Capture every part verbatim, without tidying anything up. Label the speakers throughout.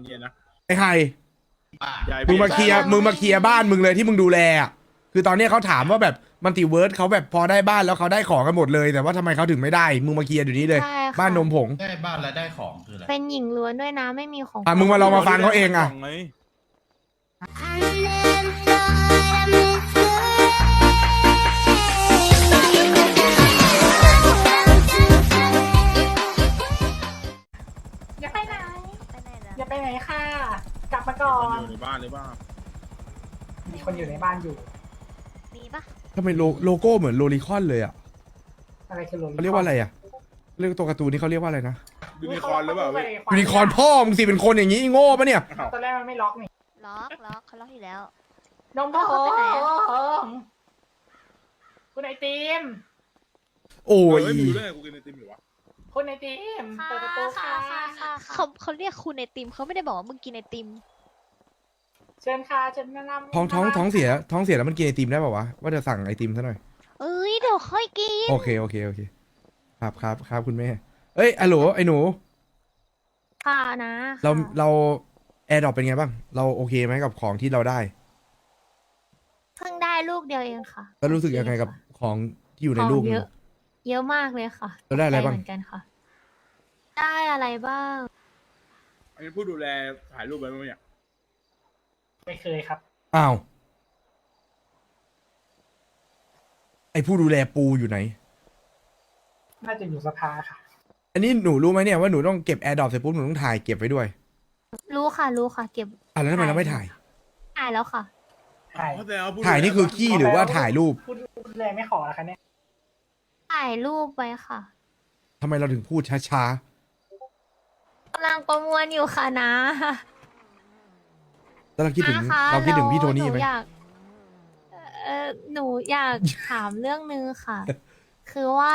Speaker 1: เนี่ยนะ
Speaker 2: ไอ้ไฮ
Speaker 1: ใหญ่
Speaker 2: มึงมาเคลียร์มึงมาเคลียร์บ้านมึงเลยที่มึงดูแลอ่ะคือตอนเนี้ยเขาถามว่าแบบมัลติเวิร์สเขาแบบพอได้บ้านแล้วเขาได้ของกันหมดเลยแต่ว่าทำไมเขาถึงไม่ได้มึงมาเคลียร์เดี๋ยวนี้เลย
Speaker 3: ใช่ค่ะ
Speaker 2: บ้านนมผง
Speaker 4: ได้บ้านและได้ของคืออะไร
Speaker 3: เป็นหญิงล้วนด้วยนะไม่มีของ
Speaker 2: อ่ะมึงมาลองมาฟังเขาเองอ่ะ
Speaker 5: อย่าไปไหน
Speaker 6: ไปไหนแล้ว
Speaker 5: อย่าไปไหนค่ะ กลับมาก่อ
Speaker 1: คน
Speaker 5: น
Speaker 1: อยู่ในบ้านหรือเปล่า
Speaker 5: มีคนอยู่ในบ้านอยู่
Speaker 6: มีปะ
Speaker 2: ทำไมโลโลโก้เหมือนโลลิคอนเลยอ่ะ
Speaker 5: อะไรคือโรลิ
Speaker 2: เขาเรียกว่าอะไรอ่ะเรียกตัวการ์ตูนนี่เขาเรียกว่าอะไรนะ
Speaker 1: ยูนิคอร์นหรือเปล่าพี่
Speaker 2: ยูนิคอร์นพ่อมึงสิเป็นคนอย่างนี้โง่ปะเนี่ย
Speaker 1: อ้าว
Speaker 5: ตอนแรกมันไม่ล็อกนี่
Speaker 6: ล็อกล็อกเขาล็อกอยู่แล้ว
Speaker 5: นมผ
Speaker 6: เอาเข้าไปไหนอะ
Speaker 5: งคุณไอติม
Speaker 2: โอ้
Speaker 1: เฮ้
Speaker 2: ย
Speaker 1: ยมึงรู้ได้ไงกูกินไอติมอยู่วะ
Speaker 5: คุณไอติมเปิดประตูค่ะ
Speaker 6: เขาเขาเรียกคุณไอติมเขาไม่ได้บอกว่ามึงกินไอติม
Speaker 5: เชิญค่ะเชิญแนะนำ
Speaker 2: ท้องท้องท้องเสียท้องเสียแล้วมันกินไอติมได้ป่าวะว่าจะสั่งไอติมซะหน่อย
Speaker 6: เอ้ยเดี๋ยวค่อยกิน
Speaker 2: โอเคโอเคโอเคครับครับครับคุณแม่เอ้ยอะโหลไอ้หนู
Speaker 3: ค่ะนะ
Speaker 2: เรา
Speaker 3: ค่ะ
Speaker 2: เราแอร์ดรอปเป็นไงบ้างเราโอเคไหมกับของที่เราได้
Speaker 3: เพิ่งได้ลูกเดียวเองค่ะ
Speaker 2: แล้วรู้สึกยังไงกับของที่อยู่ใน
Speaker 3: ของ
Speaker 2: ลูก
Speaker 3: เยอะ เยอะมากเลยค่ะ
Speaker 2: เราได้อะไรบ้าง
Speaker 3: เหมือนกันค่ะ ได้อะไรบ้าง
Speaker 1: อันนี้ผู้ดูแลถ่ายรูปไว้ไหมเนี่ย
Speaker 5: ไม่เคยครับ
Speaker 2: อ้าวไอผู้ดูแลปูอยู่ไหน
Speaker 5: น่าจะอยู่สภาค่ะ
Speaker 2: อันนี้หนูรู้ไหมเนี่ยว่าหนูต้องเก็บแอร์ดรอปเสร็จปุ๊บหนูต้องถ่ายเก็บไว้ด้วย
Speaker 3: รู้ค่ะรู้ค่ะ เก็บ
Speaker 2: อ่ะแล้วทำไมเราไม่ถ่าย
Speaker 3: ถ่ายแล้วค่ะ
Speaker 5: ถ่าย
Speaker 1: เพราะแต่ว่าผู้ดูแล
Speaker 2: ถ่ายนี่คือขี้หรือว่าถ่ายรูป
Speaker 5: พูดพูดเลยไม่ขอแล้วคะเนี่ย
Speaker 3: ถ่ายรูปไว้ค่ะ
Speaker 2: ทำไมเราถึงพูดช้าก
Speaker 3: ำลังประมวลอยู่ค่ะนะ
Speaker 2: ๆแล้วเราคิดถึง
Speaker 3: นะคะ
Speaker 2: เราคิดถึงพี่โท
Speaker 3: แล้ว
Speaker 2: นี่ไหม
Speaker 3: นูอยากเออหนูอยากถามเรื่องนึงค่ะ คือว่า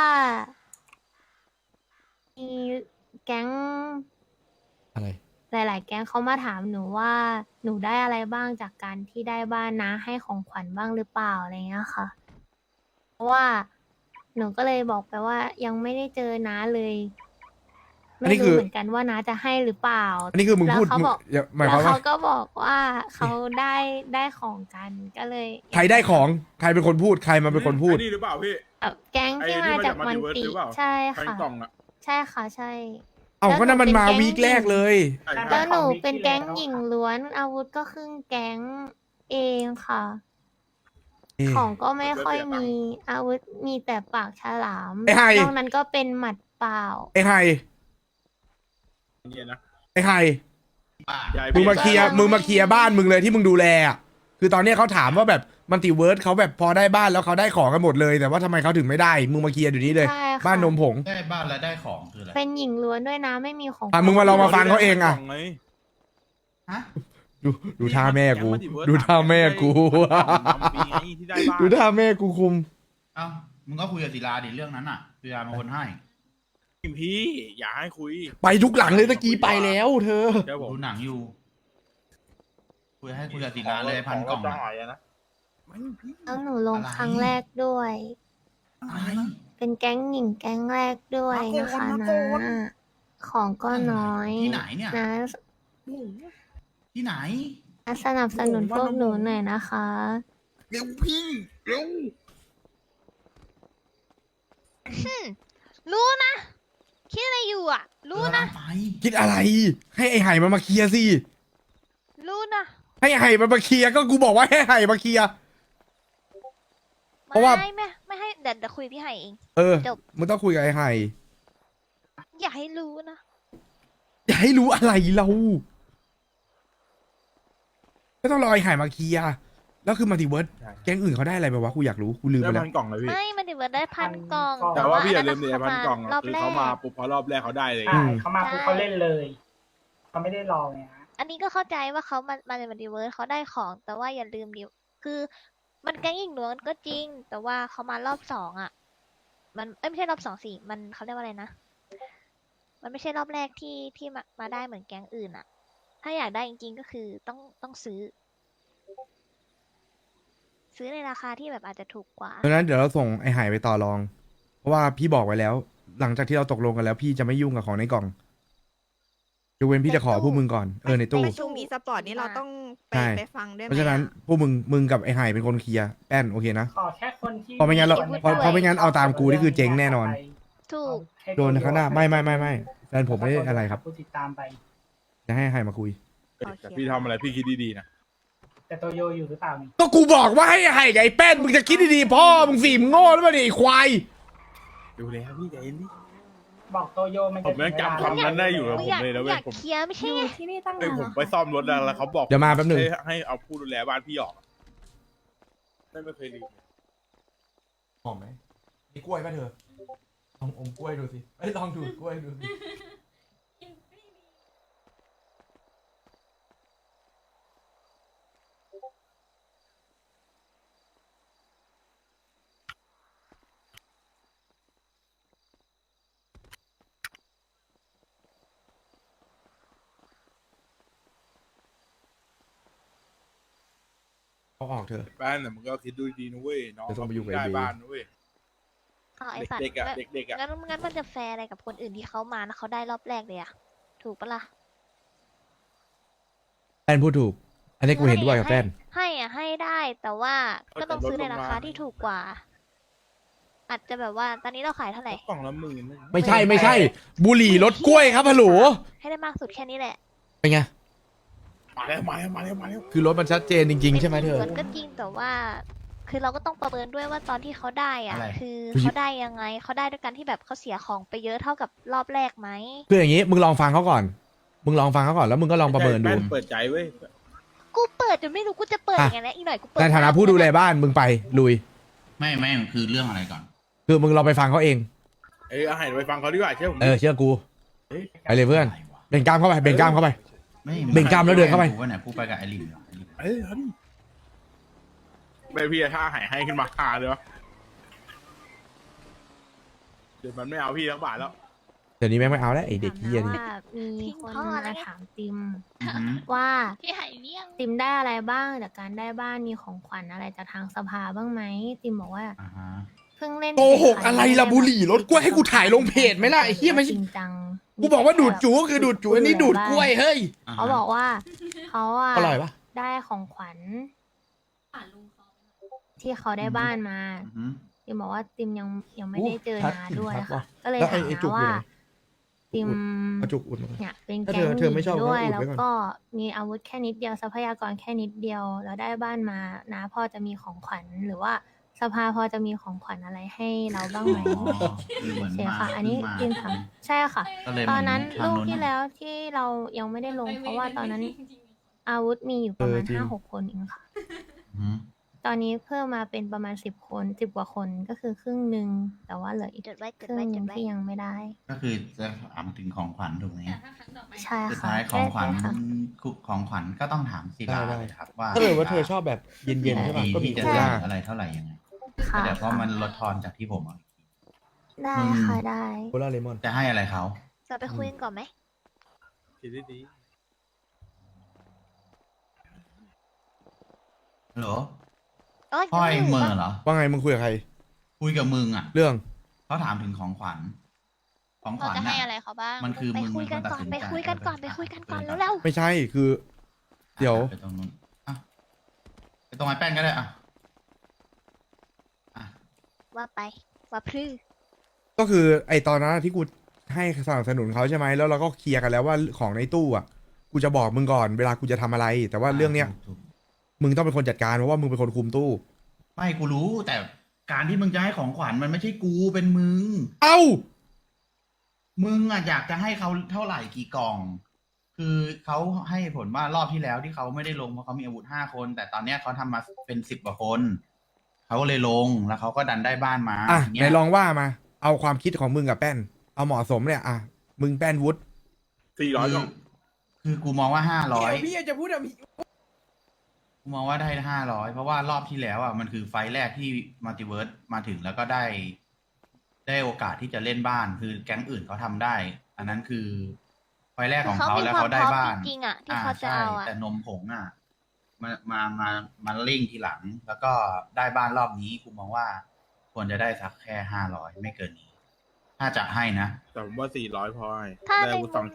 Speaker 3: มีแก๊ง
Speaker 2: อะไร
Speaker 3: หลาย ๆ แก๊งเขามาถามหนูว่าหนูได้อะไรบ้างจากการที่ได้บ้านนะให้ของขวัญบ้างหรือเปล่าอะไรเงี้ยค่ะ เพราะว่าหนูก็เลยบอกไปว่ายังไม่ได้เจอน้าเลย
Speaker 2: อันนี้
Speaker 3: ไม่
Speaker 2: คื
Speaker 3: รู้
Speaker 2: อ
Speaker 3: เหมือนกันว่าน้าจะให้หรือเปล่า
Speaker 2: อันนี้คือมึง
Speaker 3: แล้ว
Speaker 2: พูด
Speaker 3: เขา
Speaker 2: มึง
Speaker 3: บอก
Speaker 2: อย่าหมายค
Speaker 3: แล้
Speaker 2: วาม
Speaker 3: ว
Speaker 2: ว่า
Speaker 3: เขาก็บอกว่าเขาได้ได้ของกันก็เลย
Speaker 2: ใครได้ของใครเป็นคนพูดใครมาเป็นคนพูด
Speaker 1: ไอ้นี่หรือเปล่าพี่
Speaker 3: เอ่อแก๊ง
Speaker 1: ไอ้
Speaker 3: ที่
Speaker 1: ที่
Speaker 3: มา
Speaker 1: มา
Speaker 3: จา
Speaker 1: จาก ก
Speaker 3: มัน
Speaker 1: Multiverse
Speaker 3: ติ
Speaker 1: หรือเปล่า
Speaker 3: ใช่
Speaker 1: แฟน
Speaker 3: ค่ะ
Speaker 1: กล่องอะ
Speaker 3: ใช่ค่ะใช่
Speaker 2: เอ้าก็นั่นมันมา
Speaker 3: แล้วหนูเป็น
Speaker 2: วีคแรกเลย
Speaker 1: ใช่
Speaker 3: แล้วหนู
Speaker 5: ของ
Speaker 3: เป็นแก๊ง
Speaker 5: ที่แล้ว
Speaker 3: หญิงล้วนอาวุธก็ครึ่งแก๊งเองค่ะ
Speaker 2: เอ๊ะ
Speaker 3: ของก็ไม่ค่อยมีอาวุธมีแต่ปากฉลาม
Speaker 2: ไอ้ไฮ
Speaker 3: นอกนั้นก็เป็นหมัดเปล่า
Speaker 2: ไอ้ไฮ
Speaker 1: เนี่ยนะ
Speaker 2: ไอ้ไฮ
Speaker 1: ใหญ่
Speaker 2: มึงมาเคลียร์มึงมาเคลียร์บ้านมึงเลยที่มึงดูแลอ่ะคือตอนเนี้ยเขาถามว่าแบบมัลติเวิร์สเขาแบบพอได้บ้านแล้วเขาได้ของกันหมดเลยแต่ว่าทำไมเขาถึงไม่ได้มึงมาเคลียร์เดี๋ยวนี้เลย
Speaker 3: ใช่ค่ะ
Speaker 2: บ้านนมผง
Speaker 4: ได้บ้านและได้ของคืออะไร
Speaker 3: เป็นหญิงล้วนด้วยนะไม่มีของ
Speaker 2: อ่ะมึงมาลองมาฟังเขาเองอ่ะ
Speaker 4: ฮะ
Speaker 2: ดูดูท่าแม่กู ดูท่าแม่กู
Speaker 1: ที่ได้บ้าน
Speaker 2: ดูท่าแม่กูคุม
Speaker 4: เอ้ามึงก็คุยกับศิลาดิเรื่องนั้นอ่ะศิลาเป็นคนให้
Speaker 1: พี่อย่าให้คุย
Speaker 2: ไปทุกหลังเลยตะกี้ไปแล้ว เธอ
Speaker 1: เดี๋ยวผม
Speaker 4: ดูหนังอยู่ คุยให้คุยกับศิลาเลยพันกล่อง
Speaker 1: จะ
Speaker 4: อะ
Speaker 1: หายนะไม่พี่
Speaker 3: แล้วหนูลง
Speaker 4: อะไร
Speaker 3: ครั้งแรกด้วย
Speaker 4: อะไร
Speaker 3: เป็นแก๊งหญิงแก๊งแรกด้วยนะคะนะของก็น้อย
Speaker 4: ที่ไหนเนี่ย
Speaker 3: นะ
Speaker 4: ที่ไหน
Speaker 3: นะสนับสนุนพวกหนูหน่อยนะคะ
Speaker 1: เร็วพี่เร็ว
Speaker 6: รู้นะ คิดอะไรอยู่อ่ะ รู้นะ
Speaker 4: ไป
Speaker 2: คิดอะไร ให้ไอ้ไห่มันมาเคลียร์สิ
Speaker 6: รู้นะ
Speaker 2: ให้ไอ้ไห่มันมาเคลียร์ก็กูบอกว่าให้ไห่มาเคลียร์ เพราะว่า
Speaker 6: ไม่ไม่ไม่ให้เดี๋ยวเดี๋ยวคุยพี่ไห่เอง
Speaker 2: เออ
Speaker 6: จบ
Speaker 2: มึงต้องคุยกับไอ้ไห่
Speaker 6: อย่าให้รู้นะ
Speaker 2: อย่าให้รู้อะไรเราก็ต้องรอไอ้ไห่มาเคลียร์แล้วคือมัลติเวิร์สแก๊งอื่นเขาได้อะไรไปวะกูอยากรู้กูลืม
Speaker 1: ได้
Speaker 2: ไปแล้
Speaker 1: พั
Speaker 2: วน
Speaker 1: กล่องเลยพี่
Speaker 6: ไม่มันถือว่าได้พันกล่อง
Speaker 1: แต่ว่าพี่อย่าลืม
Speaker 6: น
Speaker 1: ดิ
Speaker 6: นั้น
Speaker 1: พันกล่อง
Speaker 6: รอบ
Speaker 1: คือ
Speaker 6: แร
Speaker 1: เขามาก ปุ๊บพอรอบแรกเขาได้เลย
Speaker 5: ใช่เขามาปุ๊บเขาเล่นเลยเขาไม่ได้รอไงฮะ
Speaker 6: อันนี้ก็เข้าใจว่าเขามามาในมัลติเวิร์สเขาได้ของ แต่ว่าอย่าลืมดิคือมันแก๊งหญิงล้วนก็จริง แต่ว่าเขามารอบสองอ่ะ มันเอ้ยไม่ใช่รอบสองสิมันเขาเรียกว่าอะไรนะ มันไม่ใช่รอบแรกที่ที่มามาได้เหมือนแก๊งอื่นอ่ะ ถ้าอยากได้จริงๆก็คือต้องต้องซื้อ ซื้อในราคาที่แบบอาจจะถูกกว่า
Speaker 2: ดังนั้นเดี๋ยวเราส่งไอ้ไห่ไปต่อรอง เพราะว่าพี่บอกไว้แล้ว หลังจากที่เราตกลงกันแล้ว พี่จะไม่ยุ่งกับของในกล่องยกเว้นพี่จะขอพวกมึงก่อนเออในตู้
Speaker 7: ประชุมอีสปอร์ตนี้เราต้องไป
Speaker 2: ใช่
Speaker 7: ไปฟังด้วยไห
Speaker 2: เพ
Speaker 7: ม
Speaker 2: ราะฉะนั้น
Speaker 7: อะ
Speaker 2: พวกมึงมึงกับไอ้ไห่เป็นคนเคลียร์แป้นโอเคนะ
Speaker 5: ขอแค่คนที่
Speaker 2: เพราะไม่งั้นเรา
Speaker 5: ส่ว
Speaker 2: เพราะเพราะไม่งั้นเอาตามกูนี่คือเจ๊งแน่นอน
Speaker 6: ถูก
Speaker 5: ให้
Speaker 2: โดนข้างหน้าไม่ไม่ไม่ไม่แฟนผมไม่ได้อะไรครับ
Speaker 5: ผู้ติดตามไป
Speaker 2: จะให้ไห่มาคุย
Speaker 1: แต่พี่ทำอะไรพี่คิดดีๆนะ
Speaker 5: แต่ตัวโยอยู่หรือเปล่านี่
Speaker 2: ก็กูบอกว่าให้ไห่กับไอ้แป้นมึงจะคิดดีๆพ่อมึงสี่มึงโง่แล้วมั้ยเนี่ยไอ้ควาย
Speaker 1: ดูเลยครับพี่ใจเย็นดิ
Speaker 5: บอกตัวโยมัน
Speaker 1: ผมยังจำคำนั้นได้อยู่
Speaker 6: มึงอยาก
Speaker 1: ผมเลยนะเว้ย
Speaker 6: อยาก
Speaker 1: ผม
Speaker 6: เคลียร์ไม่ใช่ไง
Speaker 3: ที่นี่ตั้ง
Speaker 1: เอ้ย
Speaker 3: นาน
Speaker 1: ผม
Speaker 3: แล้ว
Speaker 1: ไปซ่อมรถแล้วเขาบอก
Speaker 2: เดี๋ยวมาแป๊บหนึ่ง
Speaker 1: ให้ให้เอาผู้ดูแลบ้านพี่ออกไม่ไม่เคยลืม
Speaker 2: หอมไหมมีกล้วยป่ะเธอลองอมกล้วยดูสิไอ้ลองดูดกล้วยดูสิเอาออกเถอะ
Speaker 1: บ้านแต่มึงก็คิดดูดีนะเว้ยน้อง
Speaker 2: เดี๋ยวต้องไปยุ่งกับ
Speaker 1: ได้
Speaker 2: ไอ้เบย์
Speaker 1: บ้านนะเว้ย
Speaker 6: อ๋อไอสัตว์
Speaker 1: เด็กๆอะ
Speaker 6: งั้น
Speaker 1: เด็กๆอะ
Speaker 6: งั้นงั้นมันจะแฟร์อะไรกับคนอื่นที่เขามาแล้วเขาได้รอบแรกเลยอะถูกปะล่ะ
Speaker 2: แป้นพูดถูก อันนี้กูเห็นด้วยกับแป้น
Speaker 6: ให้อะให้ได้แต่ว่าก็ต้องซื้อในราคาที่ถูกกว่า อาจจะแบบว่าตอนนี้เราขายเท่าไหร่
Speaker 1: กล่องละหมื่น
Speaker 2: ไม่ใช่ไม่ใช่ บุหรี่รถกล้วยครับฮัลโหล
Speaker 6: ให้ได้มากสุดแค่นี้แหละ
Speaker 2: เป็นไง
Speaker 1: มาแล้วมาแล้วมาแล้วมาแล้ว
Speaker 2: คือรถมันชัดเจนจริงๆใช่ไหมเธอ
Speaker 6: มันก็จริงแต่ว่า คือเราก็ต้องประเมินด้วยว่าตอนที่เขาได้อ่ะ
Speaker 4: อะไร
Speaker 6: คือ
Speaker 2: คือ
Speaker 6: เขาได้ยังไงเขาได้ด้วยการที่แบบเขาเสียของไปเยอะเท่ากับรอบแรกไหม
Speaker 2: คืออย่างนี้มึงลองฟังเขาก่อน มึงลองฟังเขาก่อนแล้วมึงก็ลองประเมินดู
Speaker 1: แป้เปิดใจเว้ย
Speaker 6: กูเปิดจนไม่รู้กูจะเปิด
Speaker 2: อ่ะ
Speaker 6: ยังไงแล้วอีกหน่อยกูเปิด
Speaker 2: ในฐานะผู้ดูแลบ้านมึงไปลุย
Speaker 4: ไม่ไม่คือเรื่องอะไรก่อน
Speaker 2: คือมึงลองไปฟังเขาเอง
Speaker 1: เอ้ยเอาให้ไปฟังเขาดีกว่าเชื่อผม
Speaker 2: เออเชื่อกู ไปเลยเพื่อน
Speaker 4: ะไรวะ
Speaker 2: เบ่งกล้ามเข้าไปเบ่งกล้ามเข้าไป
Speaker 4: ไม่
Speaker 2: เบ่งกล้ามแล้วเดินเข้าไป
Speaker 4: กูว่าไหนกูไปกับไอริมเหรอไอริม
Speaker 1: เอ้ยเอาดิไม่พี่ถ้าหายให้ขึ้นมาหาเลยวะเดี๋ยวมันไม่เอาพี่ทั้งบาทแล้ว
Speaker 2: เดี๋ยวนี้แม่งไม่เอาแล้วไอเด็กเฮียนี่
Speaker 3: ว่ามีคนมาถามติม
Speaker 4: อือหือ
Speaker 3: ว่า
Speaker 6: พี่หายเลี่ยง
Speaker 3: ติมได้อะไรบ้างจากการได้บ้านมีของขวัญอะไรจากทางสภาบ้างไหมติมบอกว่า
Speaker 4: อ่าฮะ
Speaker 3: เพิ่งเล่น
Speaker 2: โกหกอะไรล่ะบุหรี่รถกล้วยให้กูถ่ายลงเพจไหมล่ะไอ้เหี้ยไม่ใช่
Speaker 3: จริงจัง
Speaker 2: กูบอกว่าดูดจูก็คือดูดจูอันนี้ดูดกล้วยเฮ้ย
Speaker 4: อ่าฮะ
Speaker 3: เขาบอกว่าเขาอะ
Speaker 2: อร่อยปะ
Speaker 3: ได้ของขวัญที่เขาได้บ้านมา
Speaker 4: อือหือ
Speaker 3: ติมบอกว่าติมยังยังไม่
Speaker 2: โอ้
Speaker 3: ได้เจอ
Speaker 2: ชัด
Speaker 3: นา
Speaker 2: จริง
Speaker 3: ด้วย
Speaker 2: ชัด
Speaker 3: ค่ะ
Speaker 2: ว่ะ
Speaker 3: ก็เลย
Speaker 2: แล้วไอ้
Speaker 3: ถาม
Speaker 2: ไอ้จุก
Speaker 3: ว่า
Speaker 2: อยู่ไหน
Speaker 3: ติม
Speaker 2: เอาจุกอุดมา
Speaker 3: เนี่ยเป็น
Speaker 2: ถ้า
Speaker 3: แก๊
Speaker 2: เธ
Speaker 3: ง
Speaker 2: อเธอไม่ชอบ
Speaker 3: หนีด้วย
Speaker 2: ก็อุด
Speaker 3: แล้ว
Speaker 2: ไว้ก่อน
Speaker 3: ก็มีอาวุธแค่นิดเดียวทรัพยากรแค่นิดเดียว แล้วได้บ้านมานะพอจะมีของขวัญหรือว่าสภาพอจะมีของขวัญอะไรให้เราบ้างไหม
Speaker 4: อ๋อคือเหมือน
Speaker 3: ใช่
Speaker 4: มา
Speaker 3: ค่ะ อันนี้
Speaker 4: มา
Speaker 3: ติมถามใช่ค่ะ
Speaker 4: ก็เลย
Speaker 3: ตอนนั้น
Speaker 4: ทาง
Speaker 3: ลูกที่แล้วที่เรายังไม่ได้ลง เพราะว่าตอนนั้น อาวุธมีอยู่ประมาณ
Speaker 2: เออจริง
Speaker 3: ห้าหกคนเองค่ะ
Speaker 4: อือหือ
Speaker 3: ตอนนี้เพิ่มมาเป็นประมาณสิบคนสิบกว่าคนก็คือครึ่งหนึ่งแต่ว่าเหลืออีก
Speaker 6: จดไว้จ
Speaker 3: ค
Speaker 6: ด
Speaker 3: รึ่ง
Speaker 6: ไว้
Speaker 3: ห
Speaker 6: จ
Speaker 3: นึ่
Speaker 6: ด
Speaker 3: ง
Speaker 6: ไว้
Speaker 3: ที่ยังไม่ได้
Speaker 4: ก็คือจะถามถึงของขวัญถูกไหม
Speaker 3: ใช่
Speaker 4: สุด
Speaker 3: ค่ะ
Speaker 4: ท้ายของขวัญ
Speaker 3: ใช่ค่ะ
Speaker 4: ของขวัญก็ต้องถามศิลา
Speaker 2: ได้ได้
Speaker 4: เลยครับว่า
Speaker 2: ถ้าเกิดว่าเธอชอบแบบเย็นๆใช่ป่ะก็มี
Speaker 4: ที่
Speaker 2: โค
Speaker 4: จะ
Speaker 2: ล่า
Speaker 4: ได้อะไรเท่าไหร่ยังไง
Speaker 3: ค่ะ
Speaker 4: แต่เพราะมันลดทอนจากที่ผมเอาอีกที
Speaker 3: ได้
Speaker 4: อืม
Speaker 3: ค่ะได้
Speaker 2: โคล่าเลมอน
Speaker 4: จะให้อะไรเขา
Speaker 6: เราไปคุยกันก่อนไหม
Speaker 1: คิดดี
Speaker 4: ฮัลโหล
Speaker 6: เอ้ย
Speaker 4: พ่อเอง
Speaker 6: ยัง
Speaker 4: เห
Speaker 6: ยู่
Speaker 4: มื่อ
Speaker 6: ปะ
Speaker 4: เหรอ
Speaker 2: ว่าไงมึงคุยกับใคร
Speaker 4: คุยกับมึงอ่ะ
Speaker 2: เรื่อง
Speaker 4: เขาถามถึงของขวัญ ของข
Speaker 8: เรา
Speaker 4: วัญ
Speaker 8: จะให้
Speaker 4: น่ะ
Speaker 8: อะไรเขาบ้าง
Speaker 4: มันคือ
Speaker 6: ไป
Speaker 4: มึง
Speaker 6: คุยกัน
Speaker 4: เป็
Speaker 6: ก่อน
Speaker 4: ตัดสิ
Speaker 6: ไป
Speaker 4: ใจ
Speaker 6: คุยกันก่อนไป
Speaker 4: เ
Speaker 6: คุยกันก่อน
Speaker 4: ไป
Speaker 6: เร็ว
Speaker 2: ไม่ใช่คือ เดี๋ยว
Speaker 4: ไปตรงนู้นอ่ะไปตรงไอ้แป้นก็ได้อ่ะอ่ะ
Speaker 6: ๆว่าไปว่าพรื้
Speaker 2: ก็คือไอตอนนั้นที่กูให้สนับสนุนเขาใช่ไหมแล้วเราก็เคลียร์กันแล้วว่าของในตู้อ่ะกูจะบอกมึงก่อนเวลากูจะทำอะไร แต่ว่าเรื่องเนี้ย
Speaker 4: ถูก
Speaker 2: มึงต้องเป็นคนจัดการเพราะว่ามึงเป็นคนคุมตู้
Speaker 4: ๆไม่กูรู้ แต่การที่มึงจะให้ของขวัญมันไม่ใช่กูเป็นมึง
Speaker 2: เอ้า
Speaker 4: มึงอ่ะอยากจะให้เขาเท่าไหร่กี่กล่อง คือเขาให้ผลว่ารอบที่แล้วที่เขาไม่ได้ลงเพราะเขามีอาวุธห้าคน แต่ตอนเนี้ยเขาทำมาเป็นสิบกว่าคนเขาก็เลยลงแล้วเขาก็ดันได้บ้านมา
Speaker 2: อ่ะ
Speaker 4: ที
Speaker 2: ไห
Speaker 4: เงี้
Speaker 2: น
Speaker 4: ย
Speaker 2: ลองว่ามา เอาความคิดของมึงกับแป้น เอาเหมาะสมเนี่ยอ่ะมึงแป้นวุฒิ
Speaker 1: ๆสี่ร้อย
Speaker 4: คื
Speaker 1: ก
Speaker 4: อ
Speaker 1: ล่อง
Speaker 4: คือกูมองว่าห้าร้อย
Speaker 2: พี่จะพูดอะ
Speaker 4: กูมองว่าได้ห้าร้อยเพราะว่ารอบที่แล้วอ่ะมันคือไฟล์แรกที่มัลติเวิร์สมาถึงแล้วก็ได้ ได้โอกาสที่จะเล่นบ้าน คือแก๊งอื่นเขาทำได้ อันนั้นคือไฟล์แรกของเขา
Speaker 6: มี
Speaker 4: แล้ว
Speaker 6: ความ
Speaker 4: เขาได้
Speaker 6: พร้อม
Speaker 4: บ้าน
Speaker 6: จริงๆอ่ะที่เขาจะเอาอ่ะ
Speaker 4: แต่นมผงอ่ะมามามามาเร่งทีหลัง แล้วก็ได้บ้านรอบนี้กูมองว่า ควรจะได้สักแค่ห้าร้อยไม่เกินนี้ ถ้าจะให้นะ
Speaker 1: แต่ผมว่าสี่ร้อยพอให้
Speaker 6: ถ้า
Speaker 1: ได้
Speaker 6: ใน
Speaker 1: อาวุธสองชิ้น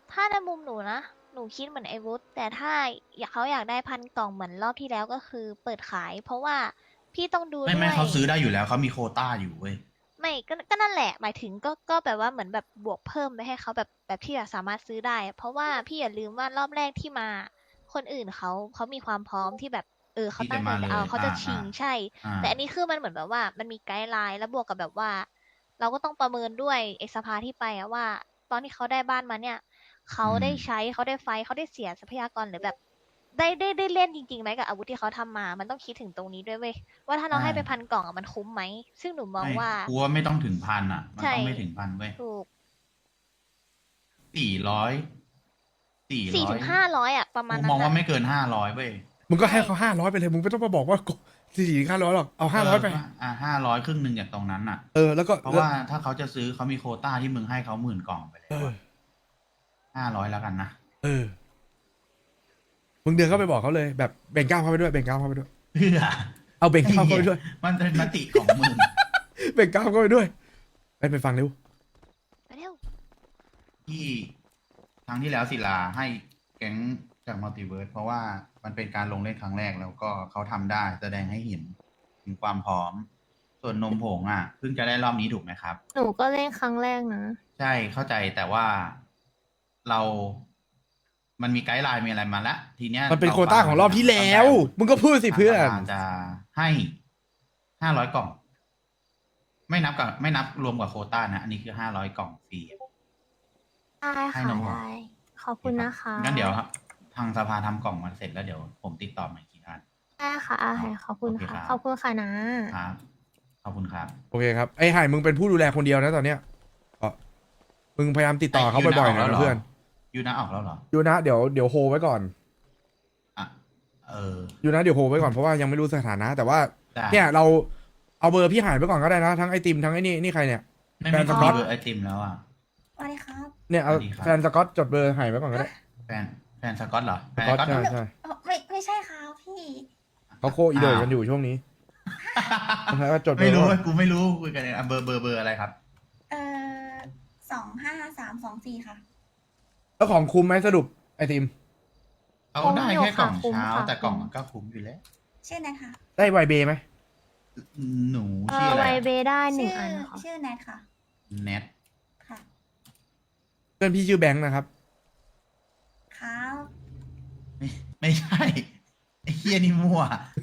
Speaker 6: ถ้าในมุมหนูนะ หนูคิดเหมือนไอวุฒแต่ถ้าอยากเขาอยากได้พันกล่องเหมือนรอบที่แล้วก็คือเปิดขาย เพราะว่าพี่ต้องดู
Speaker 4: ไม่
Speaker 6: ด้
Speaker 4: ไม่
Speaker 6: วย
Speaker 4: เขาซื้อได้อยู่แล้วเขามีโควต้าอยู่เว้ย
Speaker 6: ไม่ก็ก็นั่นแหละ หมายถึงก็ก็แบบว่าเหมือนแบบบวกเพิ่มไปให้เขาแบบแบบที่แบบสามารถซื้อได้ เพราะว่าพี่อย่าลืมว่ารอบแรกที่มา คนอื่นเขาเขามีความพร้อมที่แบบเออเขาตั้งใจจะเอาเขาจะชิงใช่
Speaker 4: อ่า
Speaker 6: แต่อันนี้คือมันเหมือนแบบว่ามันมีไกด์ไลน์แล้วบวกกับแบบว่า เราก็ต้องประเมินด้วยเอกสภาที่ไปอะว่า ตอนที่เขาได้บ้านมาเนี่ยเขาได้ใช้เขาได้ไฟท์เขาได้เสียทรัพยากรหรือแบบ ได้ได้ได้เล่นจริงๆไหมกับอาวุธที่เขาทำมา มันต้องคิดถึงตรงนี้ด้วยเว้ยว่าถ้าเราให้ไปพันกล่องอะมันคุ้มไหมซึ่งหนูมอง
Speaker 4: ไม่
Speaker 6: ว่า
Speaker 4: กูว่าไม่ต้องถึงพันอ่ะ มัน
Speaker 6: ใช่
Speaker 4: ต้องไม่ถึงพันเว้ย
Speaker 6: ถูก
Speaker 4: สี่ร้อยสี่
Speaker 6: สี่
Speaker 4: ร้อ
Speaker 6: ถึ
Speaker 4: ย
Speaker 6: งห้าร้อยอะประมาณ
Speaker 4: กู
Speaker 6: นั้
Speaker 4: มอง
Speaker 6: น
Speaker 4: ว่า
Speaker 6: อะ
Speaker 4: ไม่เกินห้าร้อยเว้ย
Speaker 2: มึงก็ให้เขาห้าร้อยไปเลยมึงไม่ต้องมาบอกว่าสี่สี่ห้าร้อยหรอกเอาห้าร้อยไป
Speaker 4: อ่าห้าร้อยครึ่งหนึ่งจากตรงนั้นอ่ะ
Speaker 2: เออแล้วก็
Speaker 4: เพราะว่าถ้าเขาจะซื้อเขามีโควต้าที่มึงให้เขาหมื่นกล่องไปแล้
Speaker 2: เอ
Speaker 4: ว
Speaker 2: อ
Speaker 4: ห้าร้อยแล้วกันนะ
Speaker 2: เออมึงเดินเข้าไปบอกเขาเลยแบบแบ่งก้าวเข้าไปด้วยแบ่งก้าวเข้าไปด้วย
Speaker 4: เพื่อ
Speaker 2: เอาแบ่งก้าวเข้าไปด้วย
Speaker 4: มันเป็นมติของมึง
Speaker 2: แบ่งก้าวเข้าไปด้วยไปไปฟังเร็ว
Speaker 6: ไปเร็ว
Speaker 4: ที่ครั้งที่แล้วศิลาให้แก๊งจากมัลติเวิร์สเพราะว่ามันเป็นการลงเล่นครั้งแรกแล้วก็เขาทำได้แสดงให้เห็นถึงความพร้อม ส่วนนมผงอ่ะเพิ่งจะได้รอบนี้ถูกไหมครับ
Speaker 3: หนูก็เล่นครั้งแรกนะ
Speaker 4: ใช่เข้าใจแต่ว่าเรา มันมีไกด์ไลน์มีอะไรมาแล้วทีเนี้ย
Speaker 2: มันเป็นโควต้าของรอบที่แล้ว มึงก็พูดสิเพื่อน
Speaker 4: ทางสภาจะให้ห้าร้อยกล่อง ไม่นับกับไม่นับรวมกับโควต้านะ อันนี้คือห้าร้อยกล่องฟรี
Speaker 3: ได้
Speaker 4: ให้
Speaker 3: ค่ะ
Speaker 4: น้อง
Speaker 3: ได้ ขอบคุณนะคะ
Speaker 4: งั้นเดี๋ยวครับทางสภาทำกล่องมาเสร็จแล้วเดี๋ยวผมติดต่อใหม่อีกทีท่าน
Speaker 3: ได้ค่ะอาหายขอบคุณ
Speaker 4: โอเค
Speaker 3: ค่ะ
Speaker 4: ครับ
Speaker 3: ขอบคุณค่ะนะ
Speaker 4: ครับขอบคุณครับ
Speaker 2: โอเคครับไอ้ห่ายมึงเป็นผู้ดูแลคนเดียวนะตอนเนี้ยก็มึงพยายามติดต่อเขาบ่อยๆหน่อยนะเพื่อน
Speaker 4: ยูนะออกแล้วเหรอ
Speaker 2: ยูนะเดี๋ยวเดี๋ยวโฮไว้ก่อน
Speaker 4: อ่ะเออ
Speaker 2: ยูนะเดี๋ยวโฮไว้ก่อนเพราะว่ายังไม่รู้สถานะ แต่ว่า
Speaker 4: ได้
Speaker 2: เนี่ยเราเอาเบอร์พี่หายไปก่อนก็ได้นะทั้งไอติมทั้งไอ้นี่นี่ใครเนี่ย
Speaker 4: ไม่
Speaker 2: แฟ
Speaker 4: มี
Speaker 2: น
Speaker 4: ค
Speaker 2: ส
Speaker 4: น
Speaker 2: ก๊อต
Speaker 4: เบอร์ไอติมแล้วอ่ะ
Speaker 8: สวัสดีครับ
Speaker 2: เนี่ยเอา
Speaker 4: สวัสดีครับ
Speaker 2: แฟนสกอตจดเบอร์หายไว้ก่อนก็ได้
Speaker 4: แฟนแฟนสกอตเหรอแฟ
Speaker 2: ส
Speaker 4: น
Speaker 2: กอต
Speaker 4: สกอต
Speaker 2: ใช่ใช่
Speaker 8: เอ่อไม่ไม่ใช่ครับพี่
Speaker 2: เขาโคอีโดกันอยู่ช่วงนี้แล้วก็จดเบอ
Speaker 4: ไม่
Speaker 2: ร์
Speaker 4: รู้
Speaker 2: ไว้
Speaker 4: กูไม่รู้คุยกันเนี่ยอ่ะเบอร์เบอร์เบอร์อะไรครับ
Speaker 8: เอ่อสองห้าสามสองสี่ค่ะ
Speaker 2: แล้วของคุ้มไหมสรุปไอติม
Speaker 4: เอา
Speaker 3: คุ้ม
Speaker 4: ได้
Speaker 3: อยู่
Speaker 4: แค่กล่อง
Speaker 3: ค่ะคุ้ม
Speaker 4: เช้า
Speaker 3: ค่ะ
Speaker 4: แต่กล่อง
Speaker 3: คุ้ม
Speaker 4: มันก็คุ้มอยู่แล้ว
Speaker 8: ชื่อแนทค่ะ
Speaker 2: ได้ไวเบไหม
Speaker 4: หนู
Speaker 3: เอ
Speaker 4: ชื่อ
Speaker 3: อ
Speaker 4: อะไร
Speaker 3: ไว
Speaker 4: อะ
Speaker 3: เบได้หนึ่ง
Speaker 8: ชื่อ
Speaker 3: อันค่ะ
Speaker 8: ชื่อแนทค่ะ
Speaker 4: เน็ต
Speaker 8: ค่ะ
Speaker 2: เพื่อนพี่ชื่อแบงค์นะครับ
Speaker 8: ครับ
Speaker 4: ไม่ไม่ใช่ไอ้เฮียนี่มั่ว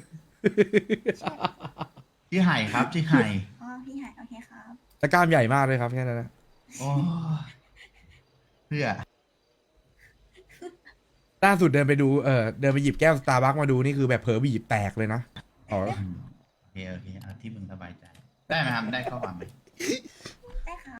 Speaker 4: ชื่อไห่ครับชื่อไห่
Speaker 8: อ๋อพี่หายโอเคครับ
Speaker 2: แต่กล้ามใหญ่มากเลยครับแค่นั้นนะ
Speaker 4: โอ้ยเพื่อ
Speaker 2: ล่าสุดเดินไปดูเออเดินไปหยิบแก้วสตาร์บัคมาดูนี่คือแบบเผลอบีบแตกเลยนะอ๋อ
Speaker 4: อืมโอเคโอเคเอาที่มึงสบายใจ ได้ไหมครับได้ข้อความไหม